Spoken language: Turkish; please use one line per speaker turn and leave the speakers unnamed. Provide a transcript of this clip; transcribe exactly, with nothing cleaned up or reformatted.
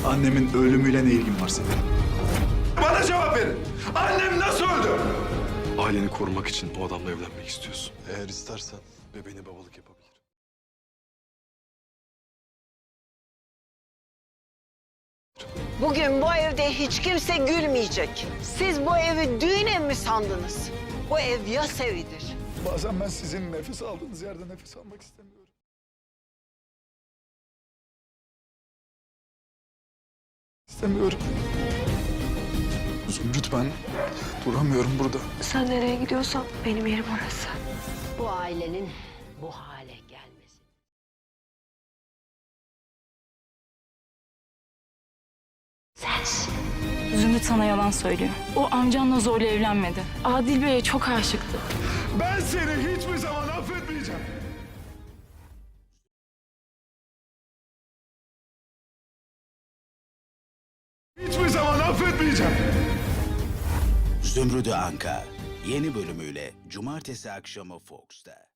Annemin ölümüyle ne ilgin var senin?
Bana cevap verin. Annem nasıl öldü?
Aileni korumak için o adamla evlenmek istiyorsun.
Eğer istersen bebeğine babalık yapabilir.
Bugün bu evde hiç kimse gülmeyecek. Siz bu evi düğün evi mi sandınız? Bu ev yas evidir.
Bazen ben sizin nefes aldığınız yerde nefes almak istemiyorum. İstemiyorum. Zümrüt, ben duramıyorum burada.
Sen nereye gidiyorsan benim yerim orası.
Bu ailenin bu hale gelmesi. Sensin.
Zümrüt sana yalan söylüyor. O amcanla zorla evlenmedi. Adil Bey'e çok aşıktı.
Ben seni hiçbir zaman affetmeyeceğim. Hiçbir zaman affetmeyeceğim.
Zümrüdü Anka yeni bölümüyle cumartesi akşamı Fox'ta.